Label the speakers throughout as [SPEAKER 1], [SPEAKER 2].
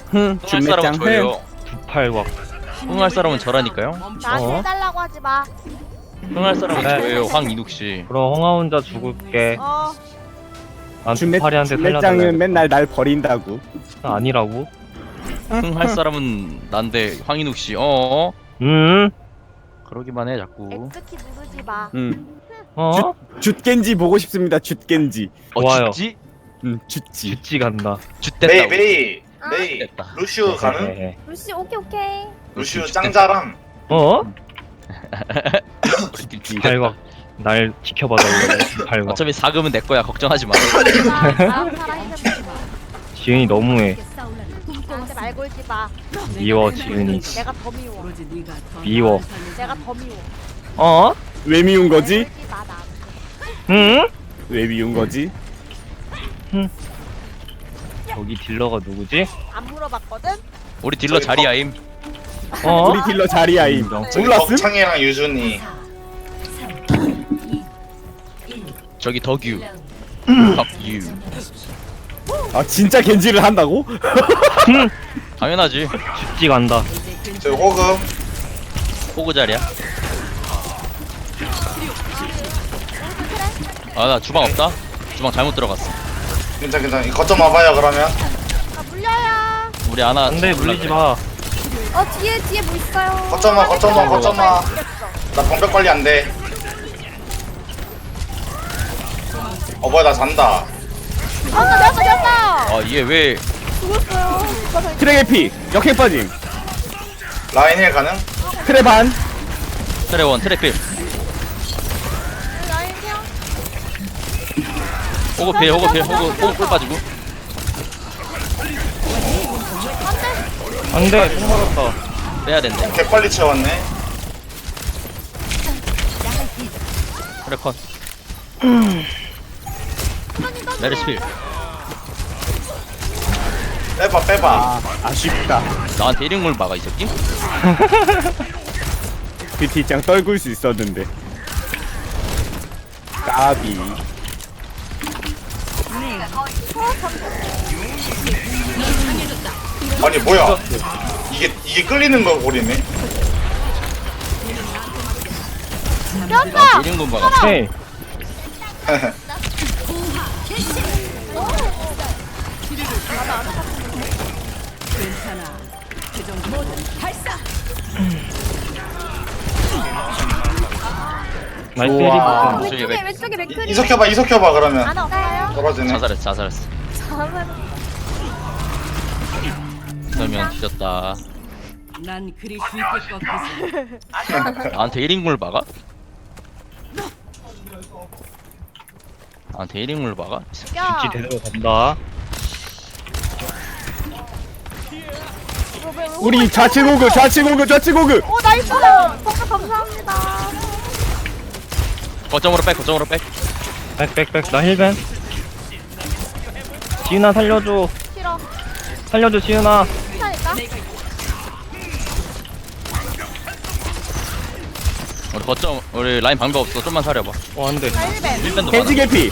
[SPEAKER 1] 흥할 사람은 저예요.
[SPEAKER 2] 팔곽.
[SPEAKER 1] 흥할 사람은 저라니까요.
[SPEAKER 3] 나한테 해달라고 하지 마.
[SPEAKER 1] 흥할 사람은
[SPEAKER 2] 네.
[SPEAKER 1] 저예요. 황인욱 씨.
[SPEAKER 2] 그럼 홍아 혼자 죽을게. 난 두팔이한테 살려달라.
[SPEAKER 4] 준매장은 맨날 날 버린다고.
[SPEAKER 2] 아니라고?
[SPEAKER 1] 흥할 사람은 난데 황인욱 씨. 그러기만 해 자꾸.
[SPEAKER 3] X키 누르지 마.
[SPEAKER 2] 어?
[SPEAKER 4] 죗겐지 보고 싶습니다. 죗겐지.
[SPEAKER 2] 좋아요.
[SPEAKER 1] 쥐?
[SPEAKER 4] 죗지.
[SPEAKER 2] 쥐 간다.
[SPEAKER 5] 메이
[SPEAKER 1] 쥐됐다.
[SPEAKER 5] 메이
[SPEAKER 1] 됐다.
[SPEAKER 5] 루시우 가능?
[SPEAKER 2] 헤헤헤.
[SPEAKER 3] 루시 오케이.
[SPEAKER 5] 루시우 짱잘함.
[SPEAKER 2] 어?
[SPEAKER 1] 우리끼리 쥐
[SPEAKER 2] 팔곽. 날 지켜봐달래. 팔곽.
[SPEAKER 1] 어차피 사금은 내 거야. 걱정하지 마.
[SPEAKER 3] 나랑 살아 힘내지 마.
[SPEAKER 2] 지은이 너무해.
[SPEAKER 3] 나한테 말 걸지 마.
[SPEAKER 2] 미워 지은이.
[SPEAKER 3] 내가 더 미워.
[SPEAKER 2] 미워.
[SPEAKER 3] 내가 더 미워.
[SPEAKER 2] 어?
[SPEAKER 4] 왜 미운
[SPEAKER 3] 말
[SPEAKER 4] 거지?
[SPEAKER 3] 걸지 마 나한테.
[SPEAKER 2] 응?
[SPEAKER 4] 왜 미운 거지?
[SPEAKER 2] 저기 딜러가 누구지?
[SPEAKER 3] 안 물어봤거든.
[SPEAKER 1] 우리 딜러 자리야임.
[SPEAKER 2] 어?
[SPEAKER 4] 우리 딜러 자리야임.
[SPEAKER 5] 저기
[SPEAKER 4] 몰랐음?
[SPEAKER 5] 덕창이랑 유준이.
[SPEAKER 1] 저기 덕유. 덕유.
[SPEAKER 4] 아 진짜 겐지를 한다고?
[SPEAKER 1] 당연하지.
[SPEAKER 2] 쥐 간다.
[SPEAKER 5] 저기 호금.
[SPEAKER 1] 호구 자리야. 아 나 주방 없다. 주방 잘못 들어갔어.
[SPEAKER 5] 괜찮. 이 거점 와봐요 그러면.
[SPEAKER 3] 아 물려요.
[SPEAKER 1] 우리 아나.
[SPEAKER 2] 안돼 물리지 마.
[SPEAKER 3] 뒤에 뭐 있어요?
[SPEAKER 5] 거점 와. 나 방벽 관리 안 돼. 뭐야 나 잔다.
[SPEAKER 3] 되었다.
[SPEAKER 1] 아 얘 왜?
[SPEAKER 3] 죽었어요.
[SPEAKER 4] 트랙 피 역행 빠짐.
[SPEAKER 5] 라인 힐 가능?
[SPEAKER 4] 트랙 반.
[SPEAKER 1] 트레원 트레필.
[SPEAKER 3] 라인 형.
[SPEAKER 1] 호구 필 호구 꿀 빠지고.
[SPEAKER 2] 안돼 총 맞았다.
[SPEAKER 1] 빼야 된대.
[SPEAKER 5] 개 빨리 채웠네.
[SPEAKER 1] 트레컨. 메르시필.
[SPEAKER 5] 빼봐.
[SPEAKER 4] 아 아쉽다.
[SPEAKER 1] 나한테 1인물 막아 이 새끼?
[SPEAKER 4] 그 뒷장 떨굴 수 있었는데. 까비.
[SPEAKER 5] 아니 뭐야? 이게 끌리는 거 고리네.
[SPEAKER 1] 나한테 1인물 막아.
[SPEAKER 2] 헤이. 나이스
[SPEAKER 4] 좋아.
[SPEAKER 2] 헤리.
[SPEAKER 3] 왼쪽에 맥크리.
[SPEAKER 5] 이석혀봐 그러면.
[SPEAKER 3] 하나 없어요?
[SPEAKER 5] 떨어지네.
[SPEAKER 1] 자살했어. 그러면 뒤졌다.
[SPEAKER 6] 난 그리 쉽게 꺾이지.
[SPEAKER 1] 나한테 1인물 막아? 나한테 1인물 막아?
[SPEAKER 3] 야.
[SPEAKER 2] 쥐 제대로 간다.
[SPEAKER 4] 우리 좌측 호그.
[SPEAKER 3] 오 나이스. 성격 감사합니다.
[SPEAKER 1] 거점으로 백.
[SPEAKER 2] 백백백 나 힐벤. 지은아 살려줘.
[SPEAKER 3] 싫어.
[SPEAKER 2] 살려줘 지은아.
[SPEAKER 3] 괜찮을까?
[SPEAKER 1] 우리 거점 우리 라인 방법 없어. 좀만 사려봐.
[SPEAKER 2] 안돼.
[SPEAKER 3] 나 1벤.
[SPEAKER 1] 1밴도
[SPEAKER 4] 겐지
[SPEAKER 1] 많아.
[SPEAKER 4] 개피.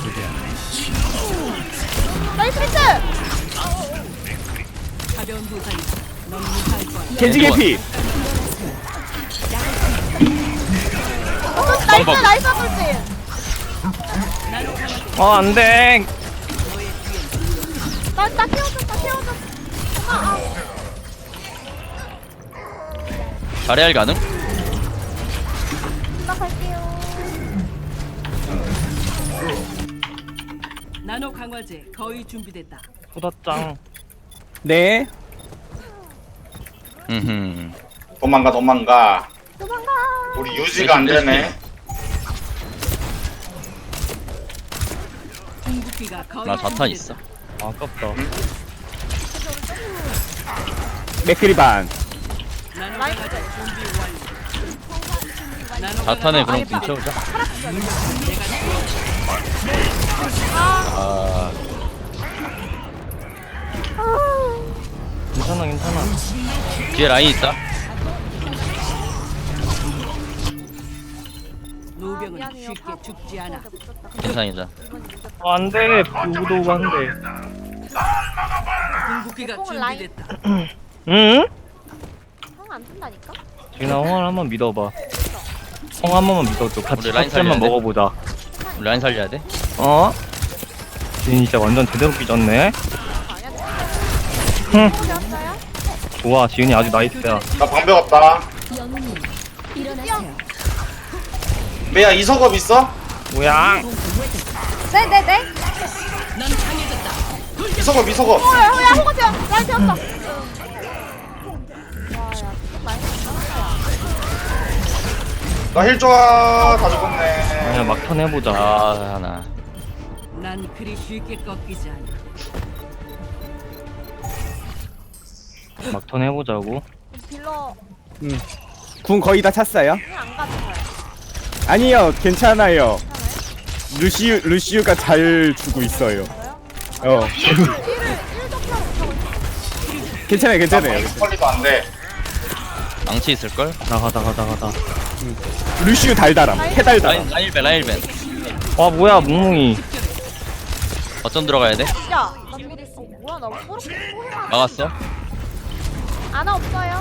[SPEAKER 3] 나이스 미스.
[SPEAKER 6] 가벼운 부상이다. 넌 무사할 거야.
[SPEAKER 4] 겐지 개피.
[SPEAKER 3] 나이스 아플지.
[SPEAKER 2] 안돼.
[SPEAKER 3] 나 태워줘.
[SPEAKER 1] 자리할 가능?
[SPEAKER 3] 나 갈게요.
[SPEAKER 6] 나노 강화제 거의 준비됐다.
[SPEAKER 2] 소다짱.
[SPEAKER 4] 네.
[SPEAKER 5] 도망가.
[SPEAKER 3] 도망가.
[SPEAKER 5] 우리 유지가 안 되네.
[SPEAKER 6] 궁극기가 거의
[SPEAKER 1] 나 자탄 있어.
[SPEAKER 2] 아깝다.
[SPEAKER 4] 맥크리 반.
[SPEAKER 6] 나노 강화제 준비 완료. 나노
[SPEAKER 1] 자탄에
[SPEAKER 6] 강화제
[SPEAKER 1] 그럼 좀 채우자. 아
[SPEAKER 2] 괜찮아.
[SPEAKER 1] 뒤에 라인 있다.
[SPEAKER 6] 노병은
[SPEAKER 3] 미안해요.
[SPEAKER 6] 쉽게 죽지 않아.
[SPEAKER 1] 괜찮아.
[SPEAKER 2] 안돼. 누구도 한데.
[SPEAKER 6] 궁극기가
[SPEAKER 3] 뽕은 라인.
[SPEAKER 6] 준비됐다.
[SPEAKER 2] 응?
[SPEAKER 3] 형안 뜬다니까?
[SPEAKER 2] 지은아 홍을 한번 믿어봐. 홍 한 번만 믿어줘. 같이
[SPEAKER 1] 우리 라인
[SPEAKER 2] 같이 한번
[SPEAKER 1] 살려야 돼?
[SPEAKER 2] 먹어보자.
[SPEAKER 1] 우리 라인 살려야 돼?
[SPEAKER 2] 어? 지은 진짜 완전 제대로 삐졌네.
[SPEAKER 3] 아니야.
[SPEAKER 2] 흠.
[SPEAKER 3] 되었어요?
[SPEAKER 2] 좋아 지은이 아주 나이스야.
[SPEAKER 5] 나 방벽 없다. 메야 이석업 있어?
[SPEAKER 2] 뭐야?
[SPEAKER 3] 네네네.
[SPEAKER 5] 이석업 이석업.
[SPEAKER 3] 야 호가 되어. 라인 되었어. 와야 많이
[SPEAKER 5] 나 힐 좋아. 다 죽었네.
[SPEAKER 2] 그냥 막턴 해보자.
[SPEAKER 1] 아 하나.
[SPEAKER 6] 난 그리 쉽게 꺾이지 않아.
[SPEAKER 2] 막턴 해보자고.
[SPEAKER 3] 딜러
[SPEAKER 4] 궁 거의 다 찼어요?
[SPEAKER 3] 그냥 안 가도 돼요.
[SPEAKER 4] 아니요, 괜찮아요.
[SPEAKER 3] 괜찮아요?
[SPEAKER 4] 루시우가 잘 주고 있어요. 어,
[SPEAKER 3] 딜을 1점차로 못하고 있어.
[SPEAKER 4] 괜찮아요, 괜찮아요.
[SPEAKER 5] 퀄리도 안 돼.
[SPEAKER 1] 망치 있을걸?
[SPEAKER 2] 나가.
[SPEAKER 4] 루시우 달달함, 해달달함.
[SPEAKER 1] 라인 1벤 라인 1벤.
[SPEAKER 2] 와 뭐야 뭉뭉이.
[SPEAKER 1] 어쩜 들어가야 돼?
[SPEAKER 3] 야, 뭐야 나 꼬르륵
[SPEAKER 1] 막았어?
[SPEAKER 3] 아나 없어요?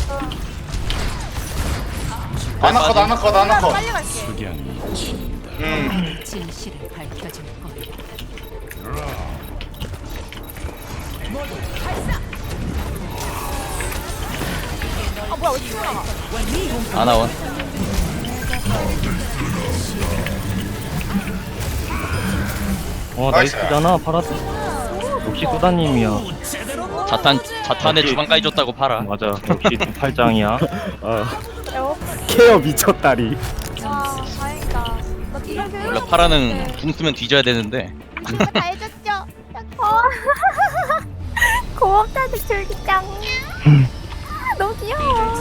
[SPEAKER 5] 아나컷 아나컷 아나컷.
[SPEAKER 3] 빨리 갈게.
[SPEAKER 6] 진실을 밝혀줄 거야.
[SPEAKER 3] 아 뭐야 왜 튀어나가?
[SPEAKER 1] 아나원.
[SPEAKER 2] 와
[SPEAKER 5] 나이스.
[SPEAKER 2] 나이스잖아 파라스. 역시 소다님이야.
[SPEAKER 1] 자탄에 주방까지 줬다고 팔아.
[SPEAKER 2] 맞아. 역시 팔짱이야.
[SPEAKER 4] 케어 미쳤다리.
[SPEAKER 3] 와 다행이다. 나 딜을 배우.
[SPEAKER 1] 원래 파라는 궁 쓰면 뒤져야 되는데.
[SPEAKER 3] 다 해줬죠. 고맙다는 줄기짱. 너무 귀여워.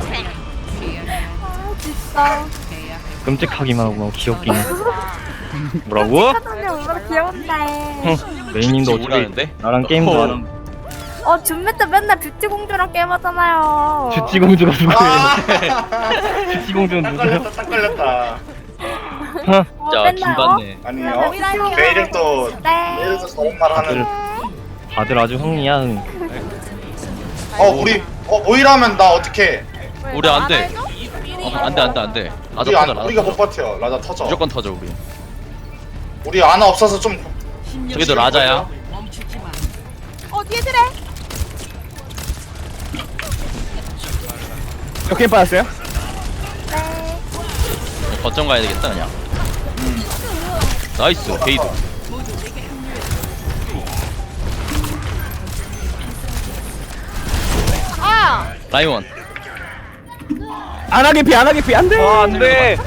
[SPEAKER 3] 아 진짜.
[SPEAKER 2] 끔찍하기만 하고 귀엽긴 해. 뭐라고?
[SPEAKER 7] 사장님 얼마나 귀여운데.
[SPEAKER 2] 메인님도 어차피
[SPEAKER 1] 오라는데?
[SPEAKER 2] 나랑 게임도 안 하면
[SPEAKER 7] 준비 때 맨날 뷰티 공주랑 게임하잖아요.
[SPEAKER 2] 뷰티공주가 누구예요?
[SPEAKER 5] 아,
[SPEAKER 2] 뷰티공주는
[SPEAKER 5] 딱
[SPEAKER 2] 누구야?
[SPEAKER 5] 걸렸다 딱 걸렸다.
[SPEAKER 1] 자
[SPEAKER 7] 맨날,
[SPEAKER 1] 김받네.
[SPEAKER 5] 아니요.
[SPEAKER 3] 오이라니요.
[SPEAKER 5] 내일은 또
[SPEAKER 7] 네.
[SPEAKER 5] 내일은 또 저런 말 하는.
[SPEAKER 2] 다들 아주 흥이야 흥.
[SPEAKER 5] 우리 모이라면 나 어떻게?
[SPEAKER 1] 우리 안 돼. 안돼. 라자 터져 라자.
[SPEAKER 5] 우리가 못 버텨. 라자 터져.
[SPEAKER 1] 무조건 터져 우리.
[SPEAKER 5] 우리 아나 없어서 좀.
[SPEAKER 1] 저기도 라자야.
[SPEAKER 6] 멈추지 마.
[SPEAKER 3] 뒤에 드래.
[SPEAKER 4] 몇개 빠졌어요?
[SPEAKER 3] 네.
[SPEAKER 1] 거점 가야 되겠다 그냥. 나이스 게이드.
[SPEAKER 3] 아.
[SPEAKER 1] 라이원.
[SPEAKER 4] 안 하게 피, 안 돼!
[SPEAKER 2] 와 안돼.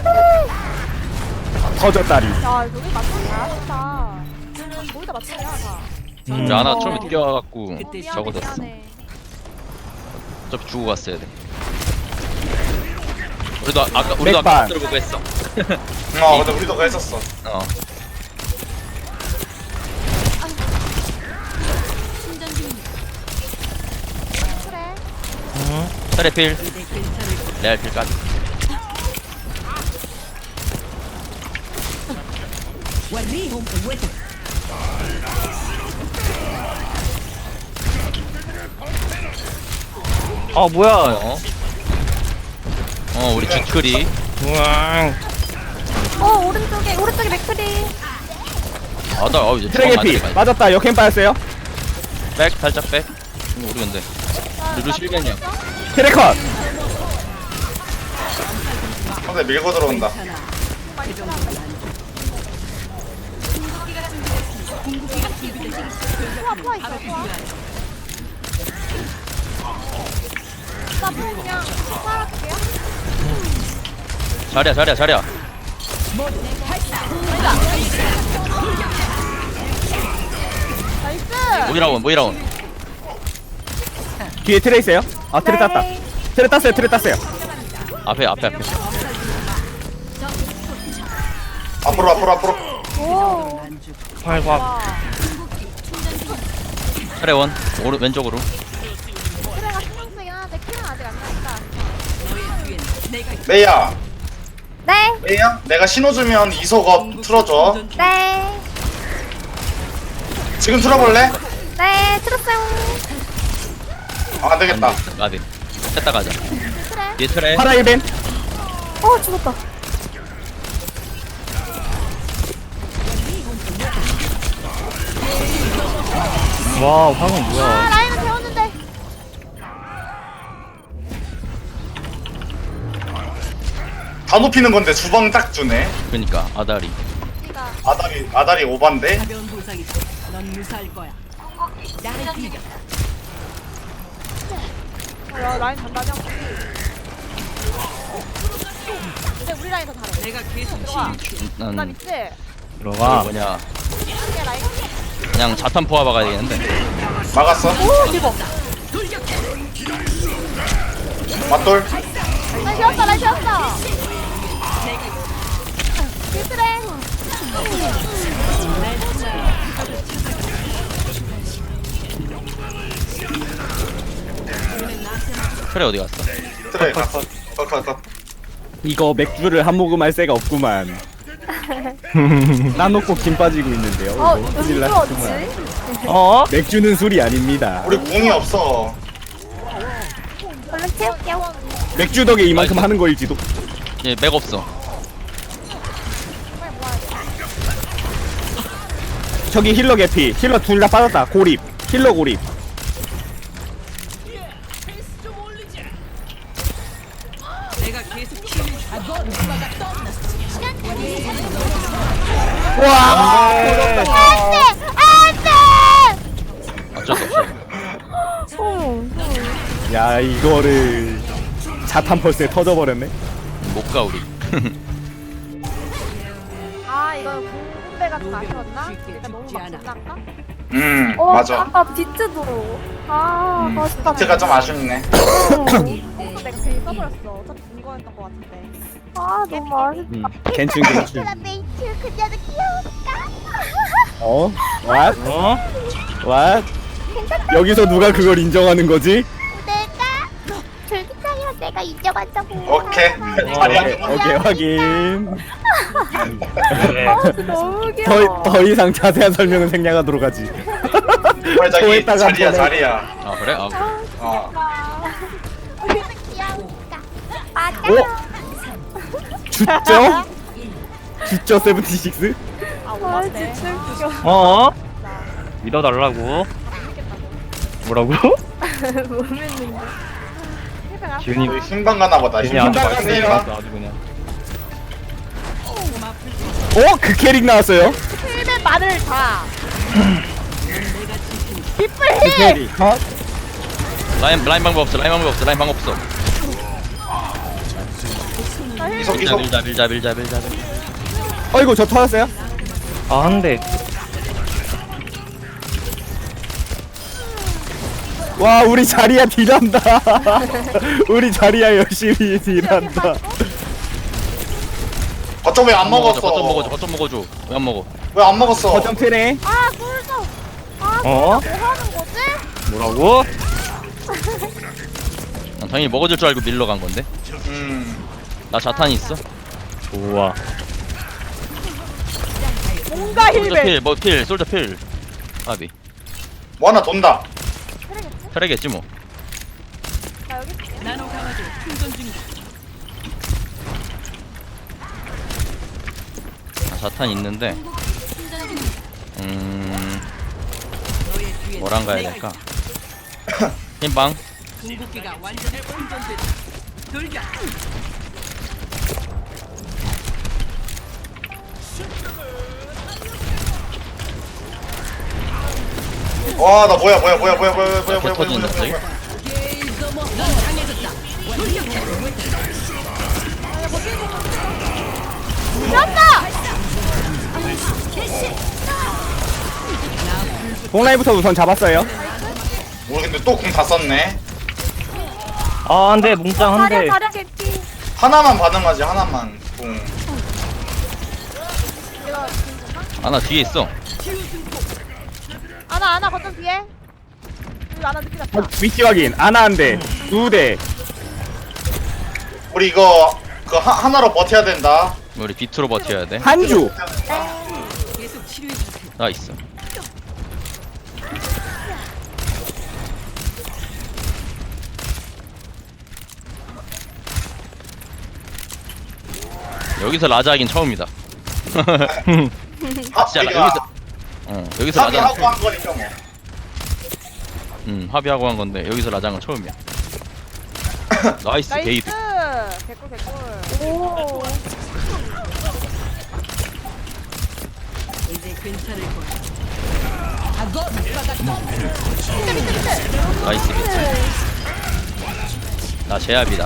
[SPEAKER 4] 터졌다리.
[SPEAKER 3] 야 여기 맞추기 잘하셨다. 거기다 맞추냐 다.
[SPEAKER 1] 우리 하나 처음에 뛰어와갖고
[SPEAKER 6] 그때
[SPEAKER 1] 적어졌어.
[SPEAKER 3] 미안해.
[SPEAKER 1] 어차피 주고 갔어야 돼. 우리도 아까
[SPEAKER 4] 맥반.
[SPEAKER 1] 들어보고 했어.
[SPEAKER 5] 근데 우리도 그거 했었어.
[SPEAKER 1] 어.
[SPEAKER 3] 그래.
[SPEAKER 1] 트래필. 레알 필까지.
[SPEAKER 2] 아 뭐야?
[SPEAKER 1] 우리 주크리.
[SPEAKER 2] 우왕.
[SPEAKER 7] 오른쪽에 맥크리.
[SPEAKER 1] 나 이제
[SPEAKER 4] 트랙의
[SPEAKER 1] 주방
[SPEAKER 4] 피.
[SPEAKER 1] 맞으니까.
[SPEAKER 4] 맞았다, 역행 빠졌어요.
[SPEAKER 1] 백 살짝 백. 우리 근데 루루 실gen이야.
[SPEAKER 4] 트랙컷.
[SPEAKER 5] 근데 밀고 들어온다.
[SPEAKER 3] 포화 있어 포화. 나 그냥 살았게요.
[SPEAKER 1] 자리야.
[SPEAKER 3] 나이스.
[SPEAKER 1] 모이라온.
[SPEAKER 4] 뒤에 트레 있어요? 아, 트레 땄다. 트레 땄어요.
[SPEAKER 1] 앞에.
[SPEAKER 5] 앞으로.
[SPEAKER 3] 오.
[SPEAKER 2] 활과
[SPEAKER 1] 트레원. 왼쪽으로.
[SPEAKER 3] 그래가 신경 쓰긴 하는데 키는 아직 안 나니까.
[SPEAKER 5] 메이야.
[SPEAKER 7] 네.
[SPEAKER 5] 메이야. 내가 신호 주면 이석업 틀어줘.
[SPEAKER 7] 네.
[SPEAKER 5] 지금 틀어볼래?
[SPEAKER 7] 네. 들었어요.
[SPEAKER 5] 아, 안 되겠다.
[SPEAKER 1] 나비. 했다 가자. 뒤에 트레.
[SPEAKER 4] 파라 1벤.
[SPEAKER 7] 어 죽었다.
[SPEAKER 2] 와 황은
[SPEAKER 3] 아
[SPEAKER 2] 뭐야?
[SPEAKER 3] 라인은 배웠는데.
[SPEAKER 5] 다 높이는 건데 주방 딱 주네.
[SPEAKER 1] 그니까 아다리.
[SPEAKER 3] 니가
[SPEAKER 5] 아다리 오반데.
[SPEAKER 6] 가벼운 부상이다. 넌 무사할 거야. 날 믿어.
[SPEAKER 3] 야 라인 단단히 하고. 근데 우리 라인 더 잘해.
[SPEAKER 6] 내가 계속
[SPEAKER 3] 들어가.
[SPEAKER 6] 치유해.
[SPEAKER 3] 나 밑에.
[SPEAKER 2] 들어가.
[SPEAKER 1] 뭐냐?
[SPEAKER 3] 이게 라인.
[SPEAKER 1] 그냥 자탄 포화 박아야 되겠는데.
[SPEAKER 5] 막았어.
[SPEAKER 3] 오 대박.
[SPEAKER 5] 맞돌.
[SPEAKER 3] 라인 지웠다 라인 지웠다. 필트래.
[SPEAKER 1] 트레 어디 갔어?
[SPEAKER 5] 트레 갔어. 컷.
[SPEAKER 4] 이거 맥주를 한 모금 할 새가 없구만. 나놓고 김 빠지고 있는데요.
[SPEAKER 7] 어
[SPEAKER 4] 이거.
[SPEAKER 7] 여기
[SPEAKER 4] 큰일
[SPEAKER 7] 또
[SPEAKER 4] 났구만.
[SPEAKER 7] 어딨지?
[SPEAKER 2] 어?
[SPEAKER 4] 맥주는 술이 아닙니다.
[SPEAKER 5] 우리 궁이 없어.
[SPEAKER 7] 얼른 채울게요.
[SPEAKER 4] 맥주 덕에 이만큼
[SPEAKER 1] 나이스.
[SPEAKER 4] 하는 거일지도.
[SPEAKER 1] 얘맥 없어.
[SPEAKER 4] 저기 힐러 개피. 힐러 둘 다 빠졌다. 고립. 힐러 고립.
[SPEAKER 6] 내가 계속 치유해.
[SPEAKER 4] 와.
[SPEAKER 1] 어쩔 수 없어.
[SPEAKER 7] 어.
[SPEAKER 4] 야 이거를 자탄 펄스에 터져버렸네.
[SPEAKER 1] 못 가 우리.
[SPEAKER 3] 아 이거는 공배가 좀 아쉬웠나?
[SPEAKER 6] 쉽게
[SPEAKER 3] 그러니까 너무
[SPEAKER 6] 죽지
[SPEAKER 3] 막
[SPEAKER 6] 않아.
[SPEAKER 3] 끝났나?
[SPEAKER 7] 어
[SPEAKER 5] 맞아.
[SPEAKER 7] 아까 비트도. 아 멋있다.
[SPEAKER 5] 비트가 좀 아쉽네.
[SPEAKER 3] 공도 내가 괜히 써버렸어. 어차피 궁거였던 것 같은데.
[SPEAKER 7] 아 너무 맛있다.
[SPEAKER 4] 괜춘.
[SPEAKER 3] 메이트 그녀도 귀여울까?
[SPEAKER 4] 어? What?
[SPEAKER 2] 어?
[SPEAKER 4] What? 여기서 누가 그걸 인정하는 거지?
[SPEAKER 3] 내가 줄기장이라 내가 인정한다고.
[SPEAKER 5] 오케이.
[SPEAKER 4] 오케이,
[SPEAKER 5] 자리야.
[SPEAKER 4] 오케이 확인.
[SPEAKER 7] 아 너무 귀여워.
[SPEAKER 4] 더 이상 자세한 설명은 생략하도록 하지.
[SPEAKER 5] 빨리 자기
[SPEAKER 4] 거기다가
[SPEAKER 5] 자리야
[SPEAKER 4] 보내.
[SPEAKER 5] 자리야.
[SPEAKER 1] 아 그래? 아 그래.
[SPEAKER 5] 어.
[SPEAKER 3] 귀여울까?
[SPEAKER 7] 맞아요.
[SPEAKER 4] 주죠? 주죠 76?
[SPEAKER 3] 아
[SPEAKER 7] 아
[SPEAKER 3] 오만데.
[SPEAKER 7] 진짜 웃겨.
[SPEAKER 2] 어? 믿어달라고? 뭐라고?
[SPEAKER 7] 못 믿는다.
[SPEAKER 2] 지훈이
[SPEAKER 5] 여기 흰방 가나 보다.
[SPEAKER 2] 지훈이 아주
[SPEAKER 5] 흰방
[SPEAKER 2] 말씀이
[SPEAKER 5] 가나.
[SPEAKER 2] 나왔어 아주 그냥.
[SPEAKER 4] 어? 그 캐릭 나왔어요?
[SPEAKER 3] 필드 말을 다.
[SPEAKER 4] 그 캐릭 어?
[SPEAKER 1] 라인 방법 없어. 라인 방법 없어. 라인 방법 없어.
[SPEAKER 5] 이석
[SPEAKER 1] 밀자
[SPEAKER 5] 이석.
[SPEAKER 1] 밀자.
[SPEAKER 4] 어이구 저 터졌어요?
[SPEAKER 2] 아 한대.
[SPEAKER 4] 와 우리 자리야 딜한다. 우리 자리야 열심히 딜한다.
[SPEAKER 5] 어쩜 왜안 먹었어?
[SPEAKER 1] 거점 먹어줘. 왜 안 먹어?
[SPEAKER 5] 왜 안 먹었어?
[SPEAKER 4] 거점 트네.
[SPEAKER 3] 아 꿀도. 아
[SPEAKER 2] 어?
[SPEAKER 3] 뭐 하는 거지?
[SPEAKER 2] 뭐라고?
[SPEAKER 1] 난 당연히 먹어줄 줄 알고 밀러 간 건데. 나 자탄이 있어.
[SPEAKER 2] 좋아.
[SPEAKER 3] 뭔가
[SPEAKER 1] 솔저
[SPEAKER 3] 힐배.
[SPEAKER 1] 필, 필, 솔저 필. 아비.
[SPEAKER 5] 뭐 하나 돈다.
[SPEAKER 1] 트레겠지 뭐.
[SPEAKER 3] 나 여기 있을게.
[SPEAKER 6] 나노 강화제 충전 중이다.
[SPEAKER 1] 아, 자탄 있는데.
[SPEAKER 6] 너의 뒤에
[SPEAKER 1] 뭐랑 가야
[SPEAKER 6] 내가
[SPEAKER 1] 될까?
[SPEAKER 6] 있다.
[SPEAKER 1] 흰방.
[SPEAKER 6] 궁극기가 완전히 충전됐다. 돌격.
[SPEAKER 5] 와 나 뭐야.
[SPEAKER 1] 개 터지는데 갑자기?
[SPEAKER 4] 공라이부터 우선 잡았어요.
[SPEAKER 5] 우리 근데 또 궁 다 썼네.
[SPEAKER 2] 아 한대 뭉짱 한대.
[SPEAKER 7] 자리야 자리야 개피.
[SPEAKER 5] 하나만 반응하지 하나만 궁.
[SPEAKER 1] 아나 뒤에 있어.
[SPEAKER 3] 아나 거점 뒤에. 여기 아나 늦게 갔다.
[SPEAKER 4] 위치 확인. 아나 한 대. 2대.
[SPEAKER 5] 우리 이거 그 하나로 버텨야 된다.
[SPEAKER 1] 우리 비트로 버텨야 돼.
[SPEAKER 4] 한주.
[SPEAKER 6] 계속 치료해 주세요.
[SPEAKER 1] 나 있어. 여기서 라자 하긴 처음이다. 진짜
[SPEAKER 5] 합의가
[SPEAKER 1] 여기서 라자.
[SPEAKER 5] 합의하고 한 거니까 뭐.
[SPEAKER 1] 합의하고 한 건데 여기서 라장은 처음이야. 나이스
[SPEAKER 3] 나이스.
[SPEAKER 1] 게이드.
[SPEAKER 3] 개꿀 개꿀.
[SPEAKER 7] 오.
[SPEAKER 6] 이제 괜찮을 거야.
[SPEAKER 1] 나이스 게이드. 나 제압이다.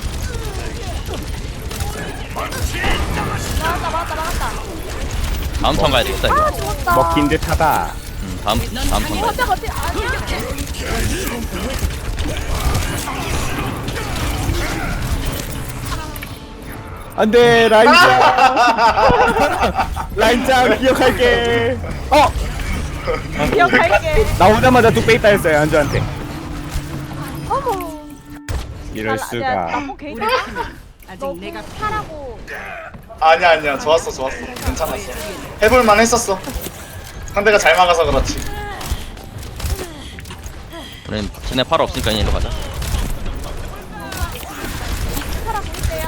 [SPEAKER 3] 막았다.
[SPEAKER 1] 다음 턴 가야 되겠다 이거.
[SPEAKER 7] 아 죽었다.
[SPEAKER 4] 먹힌 듯하다.
[SPEAKER 1] 다음 턴 가야 돼.
[SPEAKER 3] 버텨. 아니야.
[SPEAKER 4] 안돼 라인짱. 라인짱 기억할게.
[SPEAKER 3] 기억할게.
[SPEAKER 4] 나오자마자 뚝배 있다 했어요 안주한테.
[SPEAKER 3] 어머.
[SPEAKER 4] 이럴 수가.
[SPEAKER 3] 나쁜 게이드.
[SPEAKER 6] 아직
[SPEAKER 3] 너
[SPEAKER 6] 내가
[SPEAKER 3] 하라고.
[SPEAKER 5] 아니야 좋았어 괜찮았어. 해볼만 했었어. 상대가 잘 막아서 그렇지.
[SPEAKER 1] 우린 쟤네 팔 없으니까 얘로 가자.
[SPEAKER 3] 하라 보세요.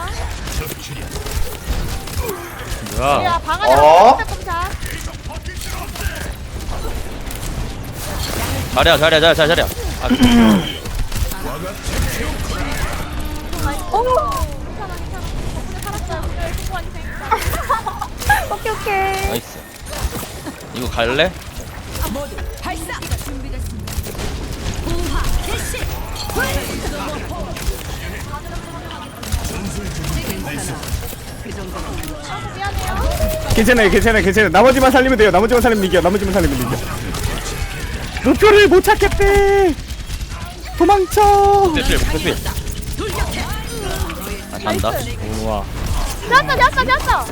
[SPEAKER 2] 뭐야?
[SPEAKER 3] 야 방안에
[SPEAKER 5] 어?
[SPEAKER 3] 꼼짝.
[SPEAKER 1] 자리야.
[SPEAKER 3] 오. 괜찮아. 덕분에 살았어요. 오늘 승부한 희생이다.
[SPEAKER 7] 오케이.
[SPEAKER 1] 나이스. 이거 갈래?
[SPEAKER 6] 발사. 준비됐습니다. 부하 개시. 괜찮아. 그 정도는
[SPEAKER 3] 미안해요.
[SPEAKER 4] 괜찮아요. 나머지만 살리면 돼요. 나머지만 살리면 이겨. 목표를 못 찾겠대. 도망쳐.
[SPEAKER 1] 대필. 아 잔다.
[SPEAKER 2] 우와.
[SPEAKER 3] 되었어.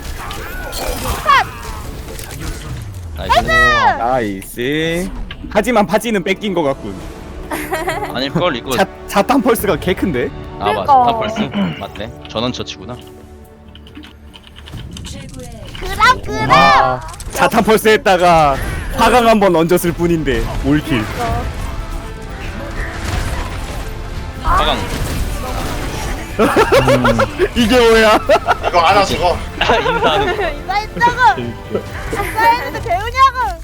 [SPEAKER 1] 나이스.
[SPEAKER 4] 나이스. 하지만 바지는 뺏긴 것 같군.
[SPEAKER 1] 아닐걸 이거.
[SPEAKER 4] 자탄 펄스가 개 큰데?
[SPEAKER 1] 아 맞아.
[SPEAKER 7] 그러니까.
[SPEAKER 1] 다 벌써 맞네. 전원 처치구나.
[SPEAKER 3] 그럼.
[SPEAKER 4] 아, 자탄 펄스 했다가 화강 한번 얹었을 뿐인데 올킬.
[SPEAKER 1] 화강.
[SPEAKER 4] 이게 뭐야?
[SPEAKER 5] 이거 안아 죽어.
[SPEAKER 1] 인사하는 거.
[SPEAKER 3] 인사했다고. 인사했는데 배우냐고.